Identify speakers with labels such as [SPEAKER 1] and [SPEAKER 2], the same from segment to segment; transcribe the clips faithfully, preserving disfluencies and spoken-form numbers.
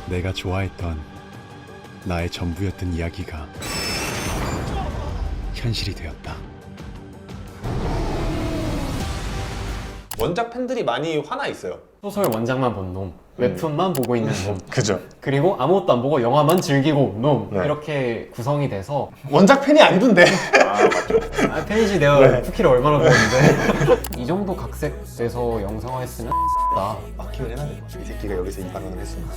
[SPEAKER 1] 내가 좋아했던 나의 전부였던 이야기가 현실이 되었다.
[SPEAKER 2] 원작 팬들이 많이 화나 있어요.
[SPEAKER 3] 소설 원작만 본 놈, 웹툰만 보고 있는 놈,
[SPEAKER 2] 그죠?
[SPEAKER 3] 그리고 아무것도 안 보고 영화만 즐기고 놈,
[SPEAKER 2] 네.
[SPEAKER 3] 이렇게 구성이 돼서
[SPEAKER 2] 원작 팬이 아니던데.
[SPEAKER 3] 아, 페이지 내가
[SPEAKER 2] 네.
[SPEAKER 3] 쿠키를 얼마나 먹었는데 이 정도 각색돼서 영상화했으면 나
[SPEAKER 2] 막히면 해야 돼. 이 새끼가 여기서 이 발언을 했습니다.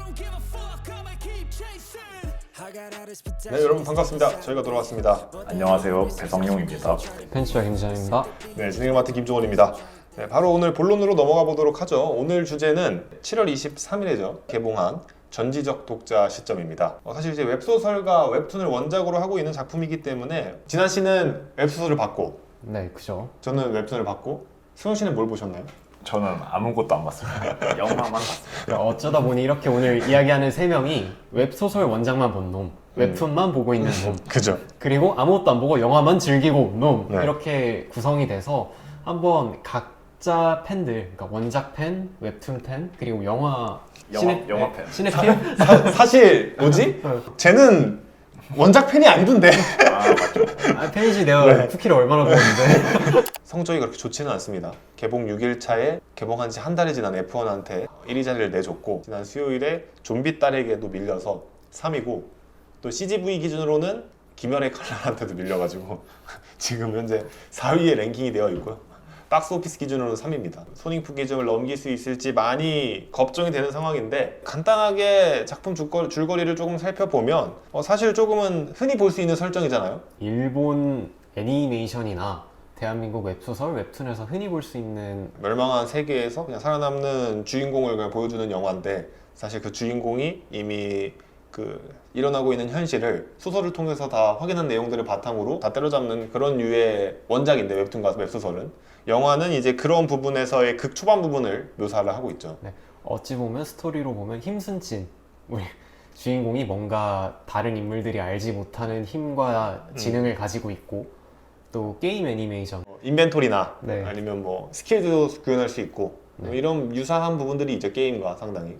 [SPEAKER 2] 네, 여러분 반갑습니다. 저희가 돌아왔습니다.
[SPEAKER 4] 안녕하세요, 배성용입니다.
[SPEAKER 3] 펜치와 김지현입니다.
[SPEAKER 2] 네, 진행을 맡은 김종원입니다. 네, 바로 오늘 본론으로 넘어가 보도록 하죠. 오늘 주제는 칠월 이십삼일에죠. 개봉한 전지적 독자 시점입니다. 어, 사실 이제 웹소설과 웹툰을 원작으로 하고 있는 작품이기 때문에 진한 씨는 웹소설을 봤고
[SPEAKER 3] 네, 그죠.
[SPEAKER 2] 저는 웹툰을 봤고 승용 씨는 뭘 보셨나요?
[SPEAKER 4] 저는 아무것도 안 봤습니다. 영화만 봤습니다.
[SPEAKER 3] 어쩌다 보니 이렇게 오늘 이야기하는 세 명이 웹소설 원작만 본 놈, 웹툰만 보고 있는 놈,
[SPEAKER 2] 그죠?
[SPEAKER 3] 그리고 아무것도 안 보고 영화만 즐기고 놈,
[SPEAKER 2] 네. 이렇게
[SPEAKER 3] 구성이 돼서 한번 각자 팬들, 그러니까 원작 팬, 웹툰 팬, 그리고 영화
[SPEAKER 4] 영화- 영화 팬.
[SPEAKER 3] 시네필?
[SPEAKER 2] 사, 사실 뭐지? 쟤는 원작 팬이 아니던데.
[SPEAKER 4] 아, 맞죠.
[SPEAKER 3] 아, 페이지 내가
[SPEAKER 2] 네.
[SPEAKER 3] 쿠키를 얼마나 먹었는데
[SPEAKER 2] 성적이 그렇게 좋지는 않습니다. 개봉 육 일차에 개봉한 지 한 달이 지난 에프원한테 일 위 자리를 내줬고 지난 수요일에 좀비 딸에게도 밀려서 삼 위고 또 씨지브이 기준으로는 김연의 칼날한테도 밀려가지고 지금 현재 사 위에 랭킹이 되어 있고요. 박스오피스 기준으로는 삼 위입니다. 손익부 기준을 넘길 수 있을지 많이 걱정이 되는 상황인데 간단하게 작품 줄거리, 줄거리를 조금 살펴보면 어, 사실 조금은 흔히 볼 수 있는 설정이잖아요.
[SPEAKER 3] 일본 애니메이션이나 대한민국 웹소설, 웹툰에서 흔히 볼 수 있는
[SPEAKER 2] 멸망한 세계에서 그냥 살아남는 주인공을 그냥 보여주는 영화인데 사실 그 주인공이 이미 그 일어나고 있는 현실을 소설을 통해서 다 확인한 내용들을 바탕으로 다 때려잡는 그런 류의 원작인데 웹툰과 웹소설은 영화는 이제 그런 부분에서의 극 초반 부분을 묘사를 하고 있죠.
[SPEAKER 3] 네, 어찌 보면 스토리로 보면 힘순진 우리 주인공이 뭔가 다른 인물들이 알지 못하는 힘과 지능을 가지고 있고 또 게임 애니메이션
[SPEAKER 2] 어, 인벤토리나
[SPEAKER 3] 네.
[SPEAKER 2] 아니면 뭐 스킬도 구현할 수 있고 뭐
[SPEAKER 3] 네.
[SPEAKER 2] 이런 유사한 부분들이 있죠. 게임과 상당히.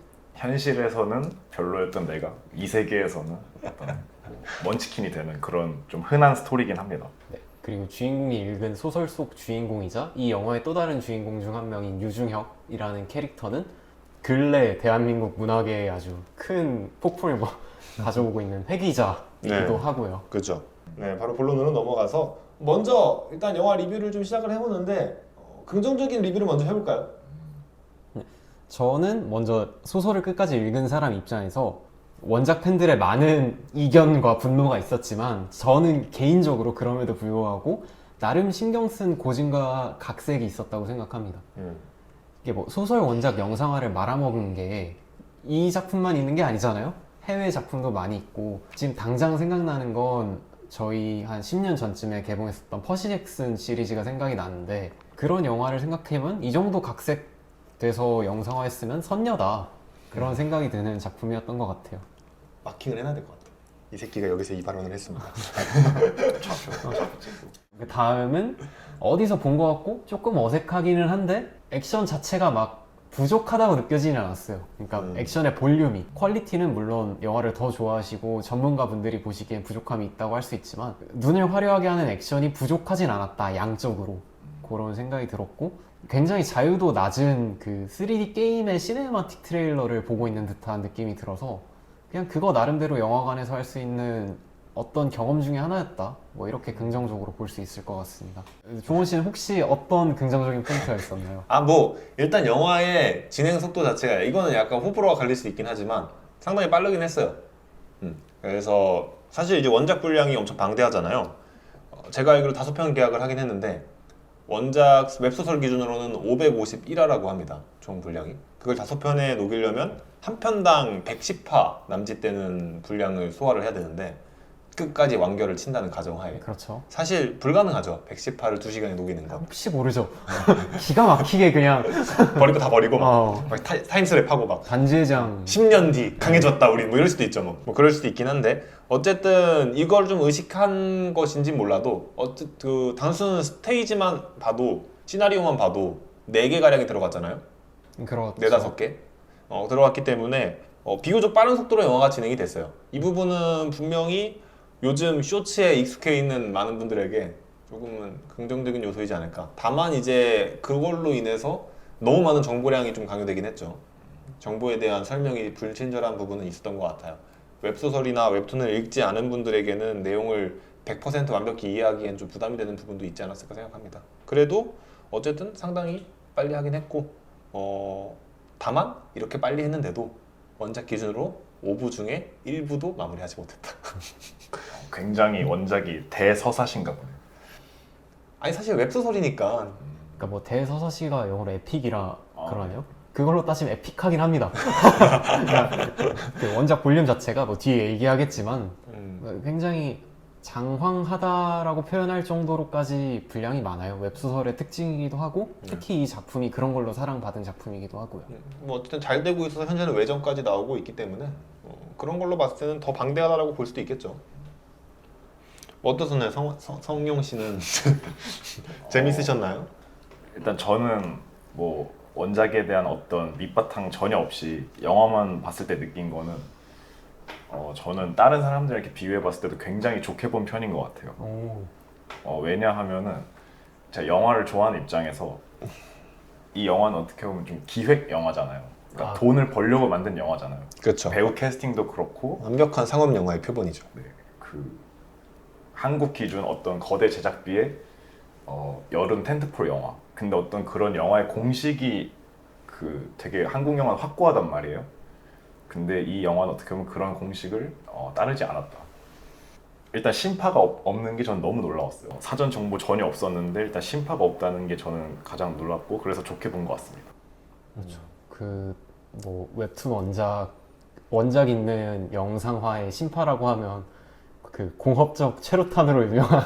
[SPEAKER 4] 현실에서는 별로였던 내가 이 세계에서는 어떤 먼치킨이 되는 그런 좀 흔한 스토리긴 합니다.
[SPEAKER 3] 네, 그리고 주인공이 읽은 소설 속 주인공이자 이 영화의 또 다른 주인공 중 한 명인 유중혁이라는 캐릭터는 근래 대한민국 문학에 아주 큰 폭풍을 뭐 가져오고 있는 회기자이기도
[SPEAKER 2] 네.
[SPEAKER 3] 하고요.
[SPEAKER 2] 그렇죠. 네, 바로 본론으로 넘어가서 먼저 일단 영화 리뷰를 좀 시작을 해보는데 어, 긍정적인 리뷰를 먼저 해볼까요?
[SPEAKER 3] 저는 먼저 소설을 끝까지 읽은 사람 입장에서 원작 팬들의 많은 이견과 분노가 있었지만 저는 개인적으로 그럼에도 불구하고 나름 신경 쓴 고증과 각색이 있었다고 생각합니다.
[SPEAKER 2] 음.
[SPEAKER 3] 이게 뭐 소설 원작 영상화를 말아먹은 게 이 작품만 있는 게 아니잖아요. 해외 작품도 많이 있고 지금 당장 생각나는 건 저희 한 십 년 전쯤에 개봉했었던 퍼시 잭슨 시리즈가 생각이 나는데 그런 영화를 생각해보면 이 정도 각색돼서 영상화했으면 선녀다 그런 생각이 드는 작품이었던 것 같아요.
[SPEAKER 2] 마킹을 해놔야 될 것 같아. 이 새끼가 여기서 이 발언을 했습니다.
[SPEAKER 3] 그 다음은 어디서 본 것 같고 조금 어색하기는 한데 액션 자체가 막 부족하다고 느껴지진 않았어요. 그러니까
[SPEAKER 2] 음.
[SPEAKER 3] 액션의 볼륨이, 퀄리티는 물론 영화를 더 좋아하시고 전문가분들이 보시기엔 부족함이 있다고 할 수 있지만 눈을 화려하게 하는 액션이 부족하진 않았다, 양적으로. 그런 생각이 들었고 굉장히 자유도 낮은 그 쓰리디 게임의 시네마틱 트레일러를 보고 있는 듯한 느낌이 들어서 그냥 그거 나름대로 영화관에서 할 수 있는 어떤 경험 중에 하나였다. 뭐 이렇게 긍정적으로 볼 수 있을 것 같습니다. 종원 씨는 혹시 어떤 긍정적인 포인트가 있었나요?
[SPEAKER 2] 아, 뭐 일단 영화의 진행 속도 자체가 이거는 약간 호불호가 갈릴 수 있긴 하지만 상당히 빠르긴 했어요. 음. 그래서 사실 이제 원작 분량이 엄청 방대하잖아요. 어, 제가 알기로 다섯 편 계약을 하긴 했는데 원작 웹소설 기준으로는 오백오십일 화라고 합니다. 총 분량이. 그걸 다섯 편에 녹이려면 한 편당 백십 화 남짓되는 분량을 소화를 해야 되는데 끝까지 완결을 친다는 가정하에
[SPEAKER 3] 그렇죠.
[SPEAKER 2] 사실 불가능하죠. 백십 화를 두 시간에 녹이는 건.
[SPEAKER 3] 혹시 모르죠. 기가 막히게 그냥
[SPEAKER 2] 버릴 거 다 버리고 막,
[SPEAKER 3] 어,
[SPEAKER 2] 막 타, 타임슬랩하고 막
[SPEAKER 3] 반지의장
[SPEAKER 2] 십 년 뒤 강해졌다 우리 뭐 이럴 수도 있죠. 뭐, 뭐 그럴 수도 있긴 한데 어쨌든 이걸 좀 의식한 것인지 몰라도 어쨌든 그 단순 스테이지만 봐도 시나리오만 봐도 네 개 가량이 들어갔잖아요.
[SPEAKER 3] 그렇죠.
[SPEAKER 2] 네다섯 개 어, 들어갔기 때문에 어, 비교적 빠른 속도로 영화가 진행이 됐어요. 이 부분은 분명히 요즘 쇼츠에 익숙해 있는 많은 분들에게 조금은 긍정적인 요소이지 않을까. 다만 이제 그걸로 인해서 너무 많은 정보량이 좀 강요되긴 했죠. 정보에 대한 설명이 불친절한 부분은 있었던 것 같아요. 웹소설이나 웹툰을 읽지 않은 분들에게는 내용을 백 퍼센트 완벽히 이해하기엔 좀 부담이 되는 부분도 있지 않았을까 생각합니다. 그래도 어쨌든 상당히 빨리 하긴 했고 어, 다만 이렇게 빨리 했는데도 원작 기준으로 오 부 중에 일 부도 마무리하지 못했다.
[SPEAKER 4] 굉장히 원작이 대서사신가 보네.
[SPEAKER 2] 아니 사실 웹소설이니까
[SPEAKER 3] 그러니까 뭐 대서사시가 영어로 에픽이라
[SPEAKER 4] 아.
[SPEAKER 3] 그러네요. 그걸로 따지면 에픽하긴 합니다. 그러니까 그 원작 볼륨 자체가 뭐 뒤에 얘기하겠지만
[SPEAKER 2] 음,
[SPEAKER 3] 굉장히 장황하다라고 표현할 정도로까지 분량이 많아요. 웹소설의 특징이기도 하고 특히 이 작품이 그런 걸로 사랑받은 작품이기도 하고요.
[SPEAKER 2] 뭐 어쨌든 잘 되고 있어서 현재는 외전까지 나오고 있기 때문에 어, 그런 걸로 봤을 때는 더 방대하다라고 볼 수도 있겠죠. 뭐 어떠셨나요? 성, 성, 성용 씨는 재밌으셨나요?
[SPEAKER 4] 일단 저는 뭐 원작에 대한 어떤 밑바탕 전혀 없이 영화만 봤을 때 느낀 거는 어, 저는 다른 사람들에게 비교해 봤을 때도 굉장히 좋게 본 편인 것 같아요.
[SPEAKER 3] 오.
[SPEAKER 4] 어, 왜냐하면은 제가 영화를 좋아하는 입장에서 이 영화는 어떻게 보면 좀 기획 영화잖아요. 그러니까
[SPEAKER 3] 아.
[SPEAKER 4] 돈을 벌려고 만든 영화잖아요.
[SPEAKER 2] 그렇죠.
[SPEAKER 4] 배우 캐스팅도 그렇고
[SPEAKER 2] 완벽한 상업 영화의 표본이죠.
[SPEAKER 4] 네, 그 한국 기준 어떤 거대 제작비의 어, 여름 텐트폴 영화. 근데 어떤 그런 영화의 공식이 그 되게 한국 영화는 확고하단 말이에요. 근데 이 영화는 어떻게 보면 그런 공식을 어, 따르지 않았다. 일단 심파가 없, 없는 게 저는 너무 놀라웠어요. 사전 정보 전혀 없었는데 일단 심파가 없다는 게 저는 가장 놀랍고 그래서 좋게 본 것 같습니다.
[SPEAKER 3] 그렇죠. 그 뭐 웹툰 원작 원작 있는 영상화의 신파라고 하면 그 공업적 최루탄으로 유명한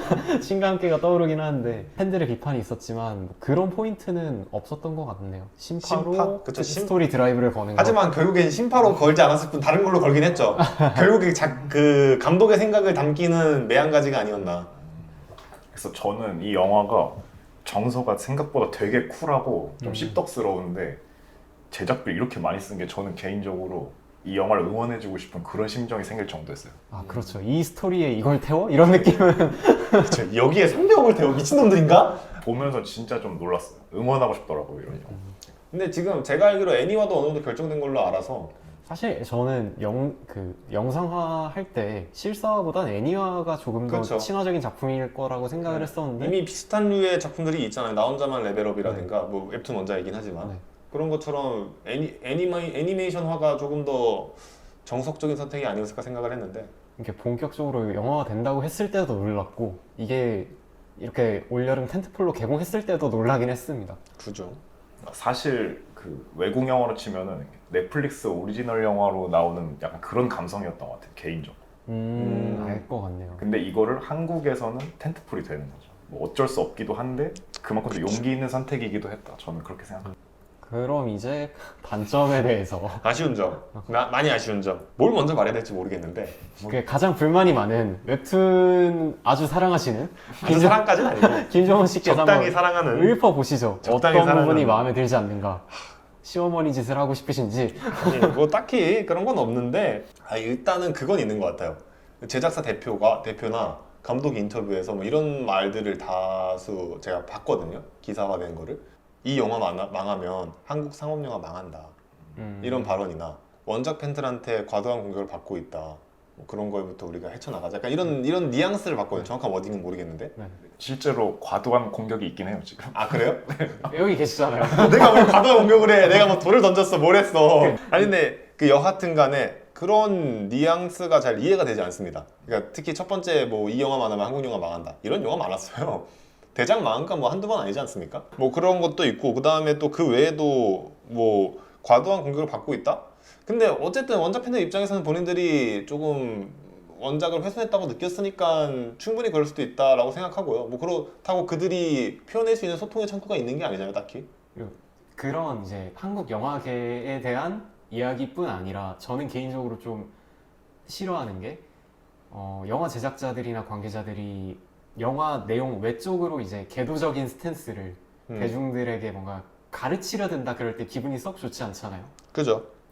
[SPEAKER 3] 신과 함께가 떠오르긴 하는데 팬들의 비판이 있었지만 뭐 그런 포인트는 없었던 것 같네요. 심파로
[SPEAKER 2] 심파? 그쵸, 심-
[SPEAKER 3] 스토리 드라이브를 거는 거.
[SPEAKER 2] 하지만 결국엔 심파로 걸지 않았을 뿐 다른 걸로 걸긴 했죠. 결국에 자, 그 감독의 생각을 담기는 매한가지가 아니었나.
[SPEAKER 4] 그래서 저는 이 영화가 정서가 생각보다 되게 쿨하고 좀
[SPEAKER 3] 음.
[SPEAKER 4] 씹덕스러운데 제작비 이렇게 많이 쓴 게 저는 개인적으로 이 영화를 응원해주고 싶은 그런 심정이 생길 정도였어요.
[SPEAKER 3] 아 그렇죠. 이 스토리에 이걸 태워? 이런 느낌은
[SPEAKER 2] 그쵸, 여기에 삼백억을 태워 미친놈들인가?
[SPEAKER 4] 보면서 진짜 좀 놀랐어요. 응원하고 싶더라고요 이런 영화.
[SPEAKER 2] 근데 지금 제가 알기로 애니화도 어느 정도 결정된 걸로 알아서
[SPEAKER 3] 사실 저는 영, 그 영상화 할 때 실사화보단 애니화가 조금 더
[SPEAKER 2] 그렇죠.
[SPEAKER 3] 친화적인 작품일 거라고 생각을
[SPEAKER 2] 네.
[SPEAKER 3] 했었는데
[SPEAKER 2] 이미 비슷한 류의 작품들이 있잖아요. 나 혼자만 레벨업이라든가 뭐 웹툰 원작이긴 하지만
[SPEAKER 3] 네.
[SPEAKER 2] 그런 것처럼 애니, 애니메이, 애니메이션화가 조금 더 정석적인 선택이 아니었을까 생각을 했는데
[SPEAKER 3] 이렇게 본격적으로 영화가 된다고 했을 때도 놀랐고 이게 이렇게 올여름 텐트폴로 개봉했을 때도 놀라긴 했습니다.
[SPEAKER 2] 그죠.
[SPEAKER 4] 사실 그 외국 영화로 치면은 넷플릭스 오리지널 영화로 나오는 약간 그런 감성이었던 것 같아요 개인적으로.
[SPEAKER 3] 음,
[SPEAKER 2] 음.
[SPEAKER 3] 알 것 같네요.
[SPEAKER 4] 근데 이거를 한국에서는 텐트폴이 되는 거죠. 뭐 어쩔 수 없기도 한데 그만큼 또 용기 있는 선택이기도 했다. 저는 그렇게 생각합니다.
[SPEAKER 3] 그럼 이제 단점에 대해서
[SPEAKER 2] 아쉬운 점, 마, 많이 아쉬운 점. 뭘 먼저 말해야 될지 모르겠는데
[SPEAKER 3] 그게 가장 불만이 많은 웹툰 아주 사랑하시는
[SPEAKER 2] 아주 사랑까지는 아니고
[SPEAKER 3] 김정은 씨께서
[SPEAKER 2] 적당히
[SPEAKER 3] 한번
[SPEAKER 2] 사랑하는.
[SPEAKER 3] 읊어 보시죠.
[SPEAKER 2] 적당히
[SPEAKER 3] 어떤 부분이
[SPEAKER 2] 사랑하는-
[SPEAKER 3] 마음에 들지 않는가? 시어머니 짓을 하고 싶으신지.
[SPEAKER 2] 아니, 뭐 딱히 그런 건 없는데 아, 일단은 그건 있는 것 같아요. 제작사 대표가 대표나 감독 인터뷰에서 뭐 이런 말들을 다수 제가 봤거든요. 기사화된 거를. 이 영화 망하, 망하면 한국 상업 영화 망한다.
[SPEAKER 3] 음.
[SPEAKER 2] 이런 발언이나 원작 팬들한테 과도한 공격을 받고 있다. 뭐 그런 거부터 우리가 헤쳐나가자. 약간 이런 이런 뉘앙스를 봤거든요. 정확한 워딩은 모르겠는데.
[SPEAKER 3] 네.
[SPEAKER 4] 실제로 과도한 공격이 있긴 해요 지금.
[SPEAKER 2] 아 그래요?
[SPEAKER 3] 여기 계시잖아요.
[SPEAKER 2] 내가 뭘 과도한 공격을 해? 내가 뭐 돌을 던졌어? 뭘 했어? 아니 근데 그 여하튼 간에 그런 뉘앙스가 잘 이해가 되지 않습니다. 그러니까 특히 첫 번째 뭐 이 영화 망하면 한국 영화 망한다. 이런 영화 많았어요. 대작 망한 건 뭐 한두 번 아니지 않습니까? 뭐 그런 것도 있고 그 다음에 또 그 외에도 뭐 과도한 공격을 받고 있다? 근데 어쨌든 원작 팬들 입장에서는 본인들이 조금 원작을 훼손했다고 느꼈으니까 충분히 그럴 수도 있다라고 생각하고요. 뭐 그렇다고 그들이 표현할 수 있는 소통의 창구가 있는 게 아니잖아요, 딱히.
[SPEAKER 3] 그런 이제 한국 영화계에 대한 이야기뿐 아니라 저는 개인적으로 좀 싫어하는 게 어, 영화 제작자들이나 관계자들이 영화 내용 외적으로 이제 개도적인 스탠스를
[SPEAKER 2] 음.
[SPEAKER 3] 대중들에게 뭔가 가르치려 든다 그럴 때 기분이 썩 좋지 않잖아요.
[SPEAKER 2] 그죠?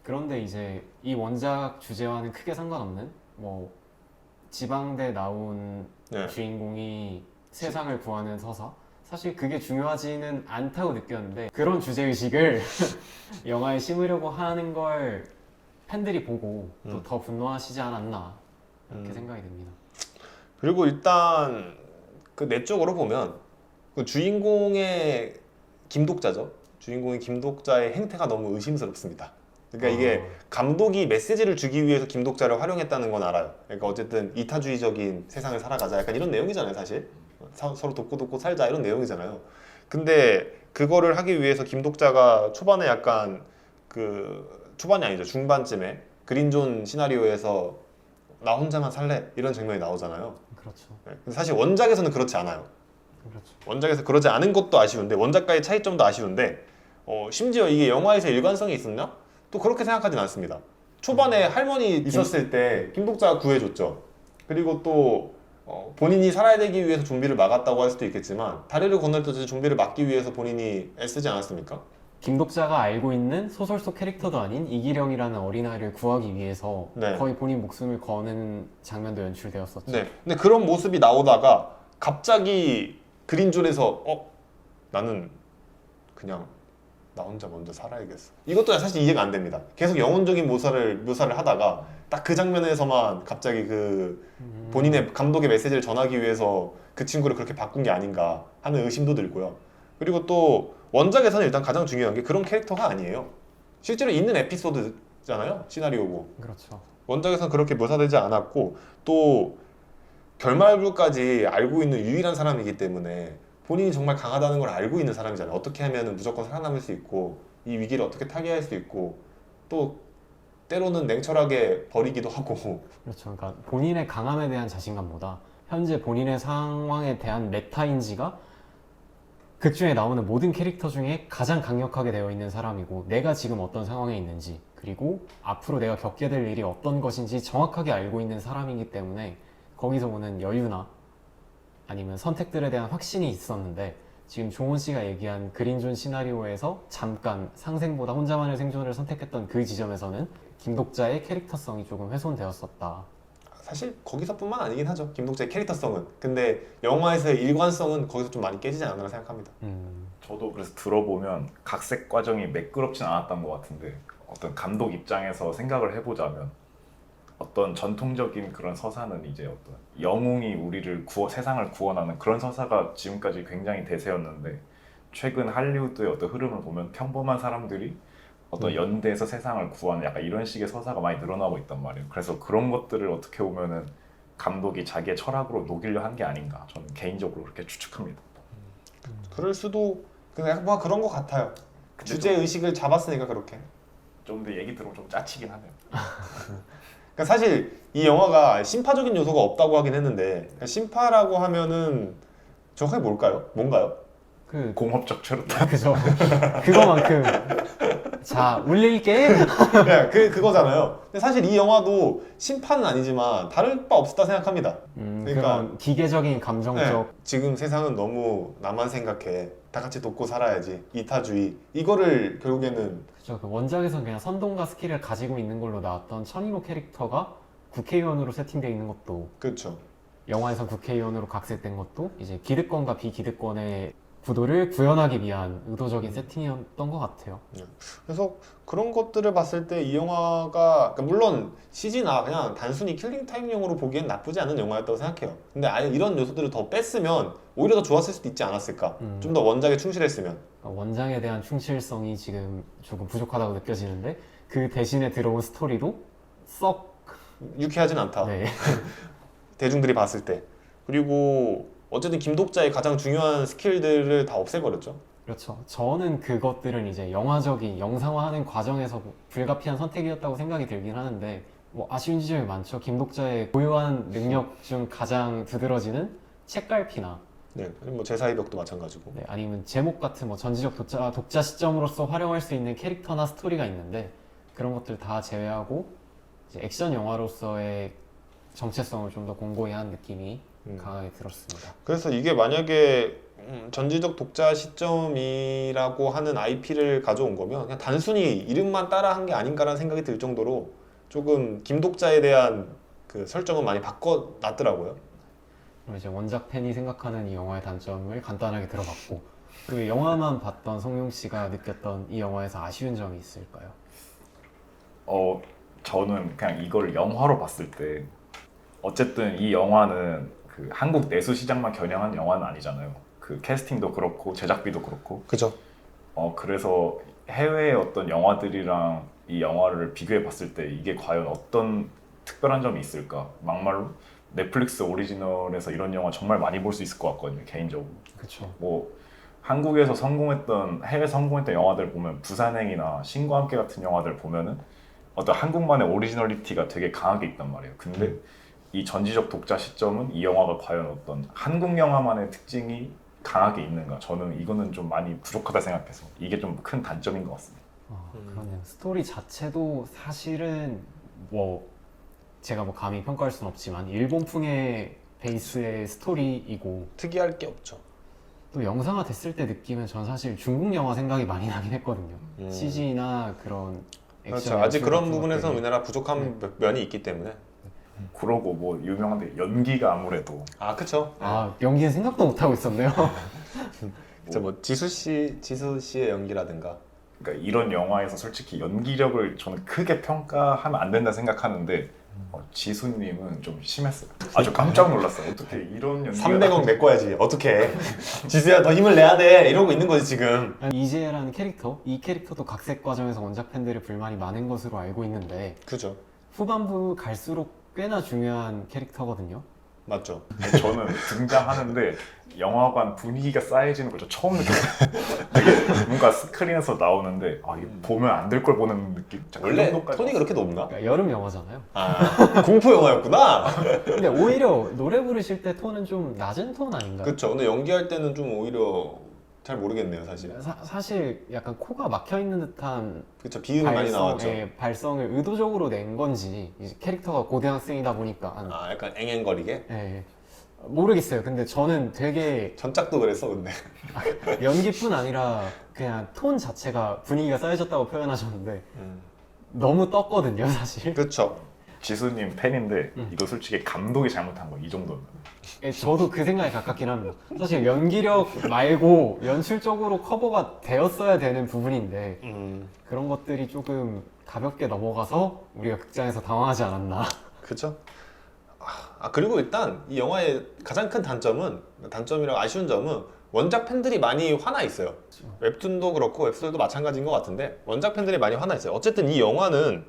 [SPEAKER 3] 그런데 이제 이 원작 주제와는 크게 상관없는 뭐 지방대 나온
[SPEAKER 2] 네.
[SPEAKER 3] 주인공이 세상을 구하는 서사, 사실 그게 중요하지는 않다고 느꼈는데 그런 주제의식을 영화에 심으려고 하는 걸 팬들이 보고 또
[SPEAKER 2] 음.
[SPEAKER 3] 더 분노하시지 않았나 이렇게
[SPEAKER 2] 음.
[SPEAKER 3] 생각이 듭니다.
[SPEAKER 2] 그리고 일단 그 내적으로 보면 그 주인공의 김독자죠. 주인공의 김독자의 행태가 너무 의심스럽습니다. 그러니까 이게 감독이 메시지를 주기 위해서 김독자를 활용했다는 건 알아요. 그러니까 어쨌든 이타주의적인 세상을 살아가자 약간 이런 내용이잖아요, 사실. 사- 서로 돕고 돕고 살자 이런 내용이잖아요. 근데 그거를 하기 위해서 김독자가 초반에 약간 그 초반이 아니죠, 중반쯤에 그린존 시나리오에서 나 혼자만 살래 이런 장면이 나오잖아요.
[SPEAKER 3] 그렇죠.
[SPEAKER 2] 네. 근데 사실 원작에서는 그렇지 않아요.
[SPEAKER 3] 그렇죠.
[SPEAKER 2] 원작에서 그러지 않은 것도 아쉬운데 원작과의 차이점도 아쉬운데 어, 심지어 이게 영화에서 일관성이 있었나? 또 그렇게 생각하진 않습니다. 초반에 할머니 있었을 때 김독자가 구해줬죠. 그리고 또 어, 본인이 살아야 되기 위해서 좀비를 막았다고 할 수도 있겠지만 다리를 건널 때 좀비를 막기 위해서 본인이 애쓰지 않았습니까?
[SPEAKER 3] 김독자가 알고 있는 소설 속 캐릭터도 아닌 이기령이라는 어린아이를 구하기 위해서
[SPEAKER 2] 네.
[SPEAKER 3] 거의 본인 목숨을 거는 장면도 연출되었었죠.
[SPEAKER 2] 네. 근데 그런 모습이 나오다가 갑자기 그린존에서 어? 나는 그냥 나 혼자 먼저 살아야겠어. 이것도 사실 이해가 안 됩니다. 계속 영혼적인 묘사를 묘사를 하다가 딱 그 장면에서만 갑자기 그
[SPEAKER 3] 음.
[SPEAKER 2] 본인의 감독의 메시지를 전하기 위해서 그 친구를 그렇게 바꾼 게 아닌가 하는 의심도 들고요. 그리고 또 원작에서는 일단 가장 중요한 게 그런 캐릭터가 아니에요. 실제로 있는 에피소드잖아요. 시나리오고.
[SPEAKER 3] 그렇죠.
[SPEAKER 2] 원작에서는 그렇게 묘사되지 않았고 또 결말부까지 알고 있는 유일한 사람이기 때문에 본인이 정말 강하다는 걸 알고 있는 사람이잖아요. 어떻게 하면 무조건 살아남을 수 있고 이 위기를 어떻게 타개할 수 있고 또 때로는 냉철하게 버리기도 하고
[SPEAKER 3] 그렇죠. 그러니까 본인의 강함에 대한 자신감보다 현재 본인의 상황에 대한 메타인지가 극 중에 나오는 모든 캐릭터 중에 가장 강력하게 되어 있는 사람이고 내가 지금 어떤 상황에 있는지 그리고 앞으로 내가 겪게 될 일이 어떤 것인지 정확하게 알고 있는 사람이기 때문에 거기서 오는 여유나 아니면 선택들에 대한 확신이 있었는데 지금 종원 씨가 얘기한 그린존 시나리오에서 잠깐 상생보다 혼자만의 생존을 선택했던 그 지점에서는 김독자의 캐릭터성이 조금 훼손되었었다.
[SPEAKER 2] 사실 거기서뿐만 아니긴 하죠. 김독자의 캐릭터성은. 근데 영화에서의 일관성은 거기서 좀 많이 깨지지 않았나 생각합니다.
[SPEAKER 3] 음,
[SPEAKER 4] 저도 그래서 들어보면 각색 과정이 매끄럽진 않았던 것 같은데 어떤 감독 입장에서 생각을 해보자면 어떤 전통적인 그런 서사는 이제 어떤 영웅이 우리를 구워 세상을 구원하는 그런 서사가 지금까지 굉장히 대세였는데 최근 할리우드의 어떤 흐름을 보면 평범한 사람들이 어떤
[SPEAKER 2] 음.
[SPEAKER 4] 연대에서 세상을 구하는 약간 이런 식의 서사가 많이 늘어나고 있단 말이에요. 그래서 그런 것들을 어떻게 보면은 감독이 자기의 철학으로 녹이려 한 게 아닌가 저는 개인적으로 그렇게 추측합니다.
[SPEAKER 2] 그럴 수도 그냥 뭐 그런 것 같아요. 주제 의식을 잡았으니까 그렇게.
[SPEAKER 4] 좀 더 얘기 들으면 좀 짜치긴 하네요.
[SPEAKER 2] 그러니까 사실 이 영화가 심파적인 요소가 없다고 하긴 했는데 그러니까 심파라고 하면은 정확하게 뭘까요? 뭔가요?
[SPEAKER 3] 그
[SPEAKER 4] 공업적 최루탄.
[SPEAKER 3] 그죠. 그거만큼 자 울릴게.
[SPEAKER 2] 네, 그 그거잖아요. 근데 사실 이 영화도 심파는 아니지만 다를 바 없었다 생각합니다.
[SPEAKER 3] 음,
[SPEAKER 2] 그러니까-
[SPEAKER 3] 그런 기계적인 감정적
[SPEAKER 2] 네, 지금 세상은 너무 나만 생각해. 다 같이 돕고 살아야지. 이타주의. 이거를 결국에는
[SPEAKER 3] 그죠. 그 원작에서는 그냥 선동과 스킬을 가지고 있는 걸로 나왔던 천인호 캐릭터가 국회의원으로 세팅되어 있는 것도
[SPEAKER 2] 그렇죠.
[SPEAKER 3] 영화에서 국회의원으로 각색된 것도 이제 기득권과 비기득권의 구도를 구현하기 위한 의도적인 세팅이었던 것 같아요.
[SPEAKER 2] 그래서 그런 것들을 봤을 때 이 영화가 그러니까 물론 씨지나 그냥 단순히 킬링 타임용으로 보기엔 나쁘지 않은 영화였다고 생각해요. 근데 아예 이런 요소들을 더 뺐으면 오히려 더 좋았을 수도 있지 않았을까.
[SPEAKER 3] 음.
[SPEAKER 2] 좀 더 원작에 충실했으면.
[SPEAKER 3] 그러니까 원작에 대한 충실성이 지금 조금 부족하다고 느껴지는데 그 대신에 들어온 스토리도 썩
[SPEAKER 2] 유쾌하진 않다.
[SPEAKER 3] 네.
[SPEAKER 2] 대중들이 봤을 때. 그리고 어쨌든 김독자의 가장 중요한 스킬들을 다 없애버렸죠.
[SPEAKER 3] 그렇죠. 저는 그것들은 이제 영화적인 영상화하는 과정에서 불가피한 선택이었다고 생각이 들긴 하는데 뭐 아쉬운 지점이 많죠. 김독자의 고유한 능력 중 가장 두드러지는 책갈피나
[SPEAKER 2] 네, 뭐 제사의 벽도 마찬가지고.
[SPEAKER 3] 네, 아니면 제목 같은 뭐 전지적 독자, 독자 시점으로서 활용할 수 있는 캐릭터나 스토리가 있는데 그런 것들 다 제외하고 이제 액션 영화로서의 정체성을 좀 더 공고히 한 느낌이
[SPEAKER 2] 음.
[SPEAKER 3] 강하게 들었습니다.
[SPEAKER 2] 그래서 이게 만약에 음, 전지적 독자 시점이라고 하는 아이피를 가져온 거면 그냥 단순히 이름만 따라한 게 아닌가라는 생각이 들 정도로 조금 김독자에 대한 그 설정은 많이 바꿔놨더라고요.
[SPEAKER 3] 그럼 이제 원작 팬이 생각하는 이 영화의 단점을 간단하게 들어봤고, 그 영화만 봤던 성룡 씨가 느꼈던 이 영화에서 아쉬운 점이 있을까요?
[SPEAKER 4] 어 저는 그냥 이거를 영화로 봤을 때 어쨌든 이 영화는 그 한국 내수 시장만 겨냥한 영화는 아니잖아요. 그 캐스팅도 그렇고 제작비도 그렇고.
[SPEAKER 2] 그죠?
[SPEAKER 4] 어 그래서 해외의 어떤 영화들이랑 이 영화를 비교해 봤을 때 이게 과연 어떤 특별한 점이 있을까? 막말로 넷플릭스 오리지널에서 이런 영화 정말 많이 볼 수 있을 것 같거든요, 개인적으로.
[SPEAKER 3] 그렇죠.
[SPEAKER 4] 뭐 한국에서 성공했던 해외 성공했던 영화들 보면 부산행이나 신과 함께 같은 영화들 보면은 어떤 한국만의 오리지널리티가 되게 강하게 있단 말이에요. 근데
[SPEAKER 2] 음.
[SPEAKER 4] 이 전지적 독자 시점은 이 영화가 과연 어떤 한국 영화만의 특징이 강하게 있는가? 저는 이거는 좀 많이 부족하다 생각해서 이게 좀 큰 단점인 것 같습니다.
[SPEAKER 3] 아,
[SPEAKER 2] 음.
[SPEAKER 3] 그러네요. 스토리 자체도 사실은 뭐 제가 뭐 감히 평가할 수는 없지만 일본풍의 베이스의 스토리이고,
[SPEAKER 2] 특이할 게 없죠.
[SPEAKER 3] 또 영상화 됐을 때 느끼면 전 사실 중국 영화 생각이 많이 나긴 했거든요.
[SPEAKER 2] 음.
[SPEAKER 3] 씨지나 그런 액션
[SPEAKER 2] 그렇죠. 아직
[SPEAKER 3] 연출
[SPEAKER 2] 그런
[SPEAKER 3] 같은
[SPEAKER 2] 부분에서
[SPEAKER 3] 것들이.
[SPEAKER 2] 우리나라 부족한 면이 있기 때문에.
[SPEAKER 4] 그러고 뭐 유명한데 연기가 아무래도
[SPEAKER 2] 아, 그쵸.
[SPEAKER 3] 아, 연기는 생각도 못 하고 있었네요.
[SPEAKER 2] 진짜 뭐 지수 씨, 지수 씨의 연기라든가.
[SPEAKER 4] 그러니까 이런 영화에서 솔직히 연기력을 저는 크게 평가하면 안 된다 생각하는데 어, 지수님은 좀 심했어요. 아주 깜짝 놀랐어요. 어떻게 이런 연기가
[SPEAKER 2] 삼백억 내 거야지. 어떻게? 지수야 더 힘을 내야 돼. 이러고 있는 거지 지금.
[SPEAKER 3] 이지혜라는 캐릭터, 이 캐릭터도 각색 과정에서 원작 팬들의 불만이 많은 것으로 알고 있는데
[SPEAKER 2] 그죠.
[SPEAKER 3] 후반부 갈수록 꽤나 중요한 캐릭터거든요.
[SPEAKER 2] 맞죠.
[SPEAKER 4] 저는 등장하는데 영화관 분위기가 쌓여지는 걸 저 처음 느꼈어요. 되게 뭔가 스크린에서 나오는데 아 이게 보면 안 될 걸 보는 느낌. 그
[SPEAKER 2] 원래
[SPEAKER 4] 정도까지
[SPEAKER 2] 톤이 그렇게 높나?
[SPEAKER 3] 그러니까 여름 영화잖아요.
[SPEAKER 2] 아, 공포 영화였구나.
[SPEAKER 3] 근데 오히려 노래 부르실 때 톤은 좀 낮은 톤 아닌가요?
[SPEAKER 2] 그렇죠. 근데 연기할 때는 좀 오히려 잘 모르겠네요, 사실.
[SPEAKER 3] 사, 사실 약간 코가 막혀 있는 듯한
[SPEAKER 2] 그렇죠. 비음이 많이 나왔죠.
[SPEAKER 3] 예, 발성을 의도적으로 낸 건지, 이제 캐릭터가 고등학생이다 보니까 한-
[SPEAKER 2] 아, 약간 앵앵거리게.
[SPEAKER 3] 예, 모르겠어요. 근데 저는 되게
[SPEAKER 2] 전작도 그랬어, 근데.
[SPEAKER 3] 연기뿐 아니라 그냥 톤 자체가 분위기가 쌓여졌다고 표현하셨는데
[SPEAKER 2] 음.
[SPEAKER 3] 너무 떴거든요, 사실.
[SPEAKER 2] 그렇죠.
[SPEAKER 4] 지수님 팬인데
[SPEAKER 3] 음.
[SPEAKER 4] 이거 솔직히 감독이 잘못한 거 이 정도면.
[SPEAKER 3] 예, 저도 그 생각에 가깝긴 합니다. 사실 연기력 말고 연출적으로 커버가 되었어야 되는 부분인데
[SPEAKER 2] 음.
[SPEAKER 3] 그런 것들이 조금 가볍게 넘어가서 우리가 극장에서 당황하지 않았나.
[SPEAKER 2] 그렇죠. 아, 그리고 일단 이 영화의 가장 큰 단점은, 단점이라고 아쉬운 점은 원작 팬들이 많이 화나 있어요. 웹툰도 그렇고 웹소설도 마찬가지인 것 같은데 원작 팬들이 많이 화나 있어요. 어쨌든 이 영화는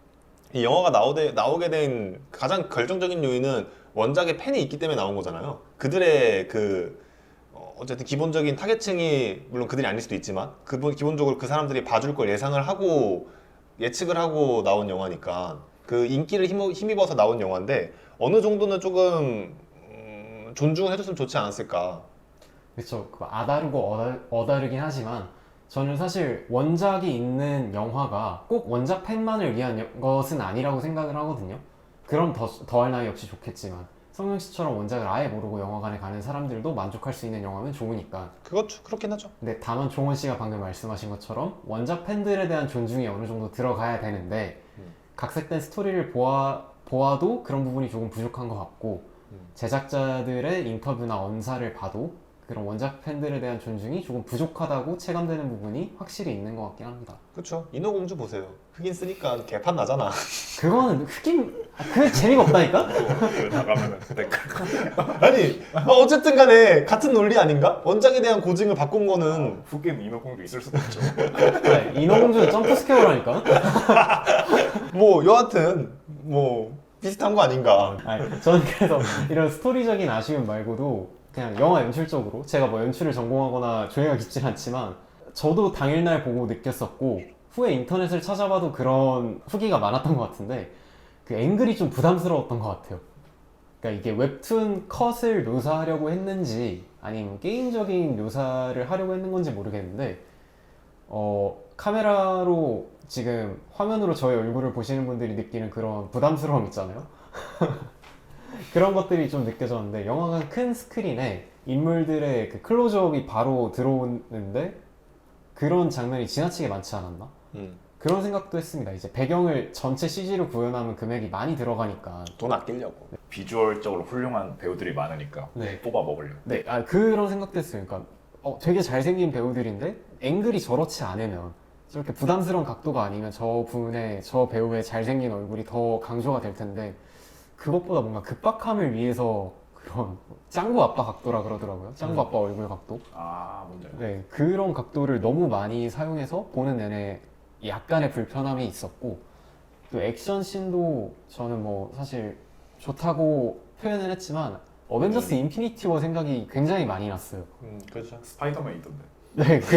[SPEAKER 2] 이 영화가 나오되, 나오게 된 가장 결정적인 요인은 원작의 팬이 있기 때문에 나온 거잖아요. 그들의 그 어, 어쨌든 기본적인 타겟층이 물론 그들이 아닐 수도 있지만 그 기본적으로 그 사람들이 봐줄 걸 예상을 하고 예측을 하고 나온 영화니까 그 인기를 힘, 힘입어서 나온 영화인데 어느 정도는 조금 음, 존중을 해줬으면 좋지 않았을까.
[SPEAKER 3] 그렇죠. 그 아다르고 어다, 어다르긴 하지만 저는 사실 원작이 있는 영화가 꼭 원작 팬만을 위한 여- 것은 아니라고 생각을 하거든요. 그럼 더, 더할 나위 없이 좋겠지만 성룡 씨처럼 원작을 아예 모르고 영화관에 가는 사람들도 만족할 수 있는 영화면 좋으니까.
[SPEAKER 2] 그것 그렇긴 하죠.
[SPEAKER 3] 근데 다만 종원 씨가 방금 말씀하신 것처럼 원작 팬들에 대한 존중이 어느 정도 들어가야 되는데
[SPEAKER 2] 음.
[SPEAKER 3] 각색된 스토리를 보아, 보아도 그런 부분이 조금 부족한 것 같고
[SPEAKER 2] 음.
[SPEAKER 3] 제작자들의 인터뷰나 언사를 봐도 그런 원작 팬들에 대한 존중이 조금 부족하다고 체감되는 부분이 확실히 있는 것 같긴 합니다.
[SPEAKER 2] 그렇죠. 인어공주 보세요. 흑인 쓰니까 개판 나잖아.
[SPEAKER 3] 그거는 흑인 아, 그 재미가 없다니까?
[SPEAKER 4] 나가면은 댓글
[SPEAKER 2] 아니 뭐 어쨌든 간에 같은 논리 아닌가? 원작에 대한 고증을 바꾼 거는
[SPEAKER 4] 흑인 인어공주 있을 수도 있죠.
[SPEAKER 3] 네, 인어공주는 점프 스퀘어라니까?
[SPEAKER 2] 뭐 여하튼 뭐 비슷한 거 아닌가.
[SPEAKER 3] 아니, 저는 그래서 이런 스토리적인 아쉬움 말고도 그냥 영화 연출적으로 제가 뭐 연출을 전공하거나 조예가 깊진 않지만 저도 당일날 보고 느꼈었고 후에 인터넷을 찾아봐도 그런 후기가 많았던 것 같은데 그 앵글이 좀 부담스러웠던 것 같아요. 그러니까 이게 웹툰 컷을 묘사하려고 했는지 아니면 게임적인 묘사를 하려고 했는 건지 모르겠는데 어, 카메라로 지금 화면으로 저의 얼굴을 보시는 분들이 느끼는 그런 부담스러움 있잖아요. 그런 것들이 좀 느껴졌는데 영화관 큰 스크린에 인물들의 그 클로즈업이 바로 들어오는데 그런 장면이 지나치게 많지 않았나?
[SPEAKER 2] 음.
[SPEAKER 3] 그런 생각도 했습니다. 이제 배경을 전체 씨지로 구현하면 금액이 많이 들어가니까.
[SPEAKER 2] 돈 아끼려고.
[SPEAKER 4] 비주얼적으로 훌륭한 배우들이 많으니까
[SPEAKER 3] 네.
[SPEAKER 4] 뽑아 먹으려고.
[SPEAKER 3] 네, 아, 그런 생각도 했어요. 그러니까 어, 되게 잘생긴 배우들인데 앵글이 저렇지 않으면 저렇게 부담스러운 각도가 아니면 저 분의 저 배우의 잘생긴 얼굴이 더 강조가 될 텐데 그것보다 뭔가 급박함을 위해서 그런 짱구 아빠 각도라 그러더라고요. 짱구
[SPEAKER 2] 음.
[SPEAKER 3] 아빠 얼굴 각도.
[SPEAKER 4] 아 뭔지 알죠.
[SPEAKER 3] 네, 그런 각도를 너무 많이 사용해서 보는 내내 약간의 불편함이 있었고 또 액션 씬도 저는 뭐 사실 좋다고 표현을 했지만 어벤져스
[SPEAKER 2] 음.
[SPEAKER 3] 인피니티 워 생각이 굉장히 많이 났어요.
[SPEAKER 2] 음, 그렇죠.
[SPEAKER 4] 스파이더맨 있던데.
[SPEAKER 3] 네, 그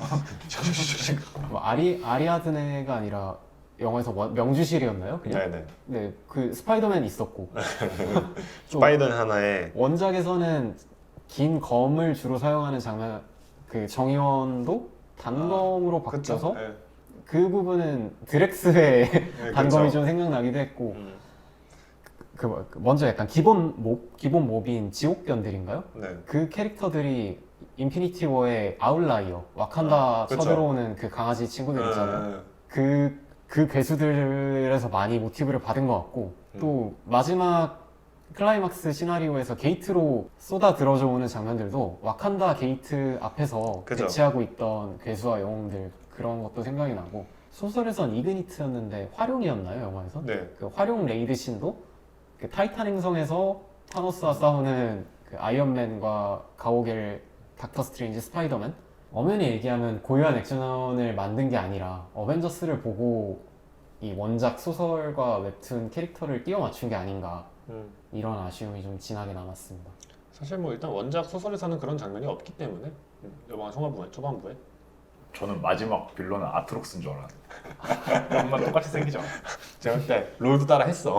[SPEAKER 3] 뭐 아리 아리아드네가 아니라 영화에서 원- 명주실이었나요? 그냥?
[SPEAKER 2] 네네.
[SPEAKER 3] 네, 그 스파이더맨 있었고 또
[SPEAKER 2] 스파이더는 하나에
[SPEAKER 3] 원작에서는 긴 검을 주로 사용하는 장면, 그 정의원도 단검으로 바뀌어서
[SPEAKER 2] 그쵸? 네.
[SPEAKER 3] 그 부분은 드렉스의
[SPEAKER 2] 네,
[SPEAKER 3] 단검이
[SPEAKER 2] 그쵸.
[SPEAKER 3] 좀 생각나기도 했고
[SPEAKER 2] 음,
[SPEAKER 3] 그 뭐- 그 먼저 약간 기본 몹 기본 몹인 지옥견들인가요?
[SPEAKER 2] 네.
[SPEAKER 3] 그 캐릭터들이 인피니티 워의 아웃라이어 와칸다
[SPEAKER 2] 아, 그쵸.
[SPEAKER 3] 쳐들어오는 그 강아지 친구들 있잖아요.
[SPEAKER 2] 네.
[SPEAKER 3] 그, 그 괴수들에서 많이 모티브를 받은 것 같고
[SPEAKER 2] 음.
[SPEAKER 3] 또 마지막 클라이막스 시나리오에서 게이트로 쏟아 들어져 오는 장면들도 와칸다 게이트 앞에서
[SPEAKER 2] 그죠.
[SPEAKER 3] 대치하고 있던 괴수와 영웅들 그런 것도 생각이 나고 소설에선 이그니트였는데 활용이었나요 영화에선?
[SPEAKER 2] 네.
[SPEAKER 3] 그 활용 레이드 씬도 그 타이탄 행성에서 타노스와 싸우는 그 아이언맨과 가오갤, 닥터 스트레인지, 스파이더맨 엄연히 얘기하면 고유한 액션을 만든 게 아니라 어벤져스를 보고 이 원작 소설과 웹툰 캐릭터를 끼워 맞춘 게 아닌가
[SPEAKER 2] 음.
[SPEAKER 3] 이런 아쉬움이 좀 진하게 남았습니다.
[SPEAKER 2] 사실 뭐 일단 원작 소설에서는 그런 장면이 없기 때문에 음, 이번 초반부에 초반부에
[SPEAKER 4] 저는 마지막 빌런은 아트록스인 줄 알았는데 정말 똑같이 생기지 않아.
[SPEAKER 2] 제가 그때 롤도 따라 했어.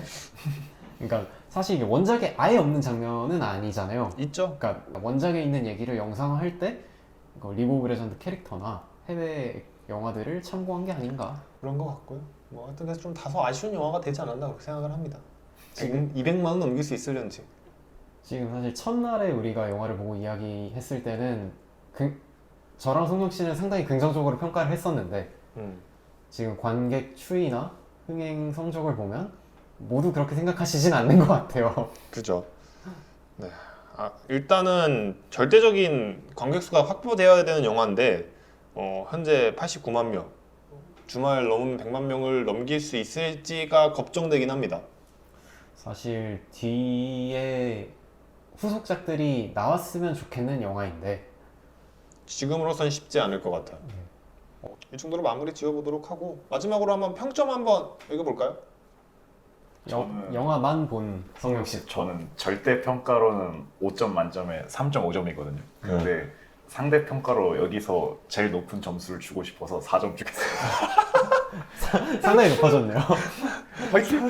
[SPEAKER 3] 그러니까 사실 이게 원작에 아예 없는 장면은 아니잖아요.
[SPEAKER 2] 있죠.
[SPEAKER 3] 그러니까 원작에 있는 얘기를 영상화할 때 이거 리그 오브 레전드 캐릭터나 해외 영화들을 참고한 게 아닌가.
[SPEAKER 2] 그런 것 같고요. 뭐 하여튼 그래서 좀 다소 아쉬운 영화가 되지 않았나 그렇게 생각을 합니다. 지금 이백만 원 넘길 수 있을런지.
[SPEAKER 3] 지금 사실 첫날에 우리가 영화를 보고 이야기했을 때는 그, 저랑 송영 씨는 상당히 긍정적으로 평가를 했었는데
[SPEAKER 2] 음.
[SPEAKER 3] 지금 관객 추이나 흥행 성적을 보면 모두 그렇게 생각하시진 않는 것 같아요.
[SPEAKER 2] 그죠. 네. 아, 일단은 절대적인 관객 수가 확보되어야 되는 영화인데 어, 현재 팔십구만 명. 주말 넘으면 백만 명을 넘길 수 있을지가 걱정되긴 합니다.
[SPEAKER 3] 사실 뒤에 후속작들이 나왔으면 좋겠는 영화인데
[SPEAKER 2] 지금으로선 쉽지 않을 것 같아요. 어, 이 정도로 마무리 지어보도록 하고 마지막으로 한번 평점 한번 읽어볼까요?
[SPEAKER 3] 영,
[SPEAKER 4] 저는-
[SPEAKER 3] 영화만 본 성영 씨.
[SPEAKER 4] 저는 절대 평가로는 오 점 만점에 삼 점 오 점이거든요. 근데 상대 평가로 여기서 제일 높은 점수를 주고 싶어서 사 점 주겠어요.
[SPEAKER 3] 상당히 높아졌네요.
[SPEAKER 4] 화이팅!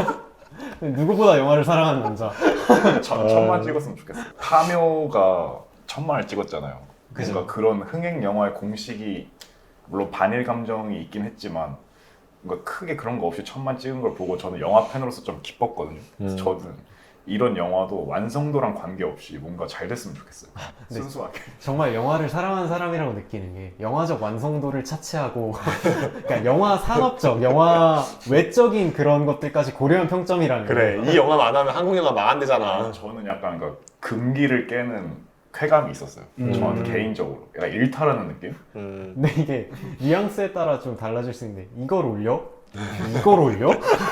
[SPEAKER 3] 누구보다 영화를 사랑하는 남자.
[SPEAKER 4] 천, 천만 찍었으면 좋겠어요. 파묘가 천만을 찍었잖아요.
[SPEAKER 3] 그죠.
[SPEAKER 4] 뭔가 그런 흥행 영화의 공식이 물론 반일 감정이 있긴 했지만 뭔가 크게 그런 거 없이 천만 찍은 걸 보고 저는 영화 팬으로서 좀 기뻤거든요. 그래서
[SPEAKER 2] 음.
[SPEAKER 4] 저는 이런 영화도 완성도랑 관계없이 뭔가 잘 됐으면 좋겠어요.
[SPEAKER 3] 네.
[SPEAKER 4] 순수하게.
[SPEAKER 3] 정말 영화를 사랑하는 사람이라고 느끼는 게 영화적 완성도를 차치하고 그러니까 영화 산업적, 영화 외적인 그런 것들까지 고려한 평점이라는 거예요.
[SPEAKER 2] 이 영화 안 하면 한국 영화 망한대잖아.
[SPEAKER 4] 저는 약간 그 금기를 깨는 쾌감이 있었어요.
[SPEAKER 3] 음.
[SPEAKER 4] 저한테 개인적으로. 약간 일탈하는 느낌?
[SPEAKER 2] 음.
[SPEAKER 3] 근데 이게 뉘앙스에 따라 좀 달라질 수 있는데 이걸 올려? 이걸 올려?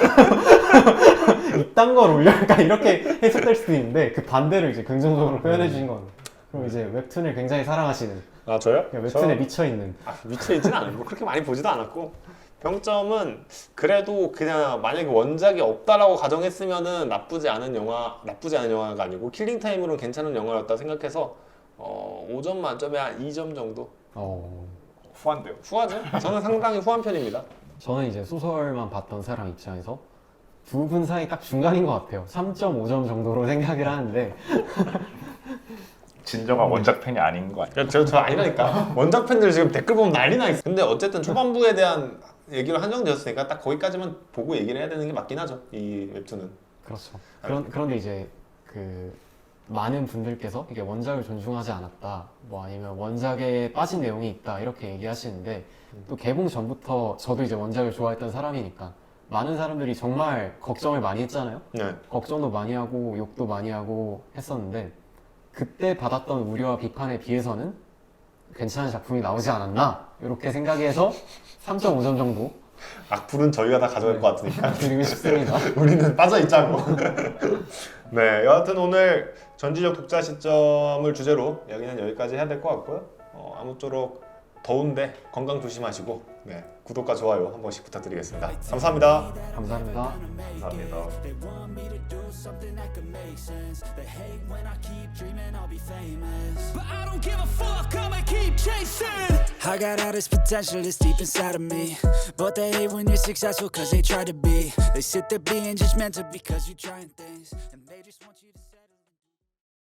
[SPEAKER 3] 이딴 걸 올려? 약간 이렇게 해석될 수도 있는데 그 반대로 이제 긍정적으로 표현해 주신 건 그럼 이제 웹툰을 굉장히 사랑하시는
[SPEAKER 2] 아 저요?
[SPEAKER 3] 그냥 웹툰에 미쳐있는
[SPEAKER 2] 아, 미쳐있지는 않고 그렇게 많이 보지도 않았고 평점은 그래도 그냥 만약에 원작이 없다라고 가정했으면은 나쁘지 않은 영화 나쁘지 않은 영화가 아니고 킬링타임으로는 괜찮은 영화였다 생각해서 어, 오 점 만점에 한 이 점 정도
[SPEAKER 3] 어...
[SPEAKER 4] 후한데요.
[SPEAKER 2] 후하죠? 저는 상당히 후한 편입니다.
[SPEAKER 3] 저는 이제 소설만 봤던 사람 입장에서 두 분 사이 딱 중간인 것 같아요. 삼 점 오 점 정도로 생각을 하는데
[SPEAKER 4] 진정한 원작 팬이 아닌 거 아니에요?
[SPEAKER 2] 저, 저 아니라니까 원작 팬들 지금 댓글 보면 난리 나 있어. 근데 어쨌든 초반부에 대한 얘기로 한정되었으니까 딱 거기까지만 보고 얘기를 해야 되는 게 맞긴 하죠. 이 웹툰은.
[SPEAKER 3] 그렇죠. 그런, 그런데 이제 그 많은 분들께서 이게 원작을 존중하지 않았다, 뭐 아니면 원작에 빠진 내용이 있다 이렇게 얘기하시는데 또 개봉 전부터 저도 이제 원작을 좋아했던 사람이니까 많은 사람들이 정말 걱정을 많이 했잖아요.
[SPEAKER 2] 네.
[SPEAKER 3] 걱정도 많이 하고 욕도 많이 하고 했었는데 그때 받았던 우려와 비판에 비해서는 괜찮은 작품이 나오지 않았나 이렇게 생각해서 삼 점 오 점 정도
[SPEAKER 2] 악플은 저희가 다 가져갈
[SPEAKER 3] 네.
[SPEAKER 2] 것 같으니까
[SPEAKER 3] 드리고 싶습니다.
[SPEAKER 2] 우리는 빠져있자고. 네, 여하튼 오늘 전지적 독자 시점을 주제로 여기는 여기까지 해야 될 것 같고요. 어, 아무쪼록 더운데 건강 조심하시고 네, 구독과 좋아요 한 번씩 부탁드리겠습니다. 감사합니다.
[SPEAKER 3] 감사합니다.
[SPEAKER 4] 감사합니다.
[SPEAKER 5] They want me to do something that could make sense. They hate when I keep dreaming I'll be famous. But I don't give a fuck, I'ma keep chasing. I got all this potential that's deep inside of me. But they hate when you're successful cause they try to be. They sit there being judgmental because you're trying things. And they just want you to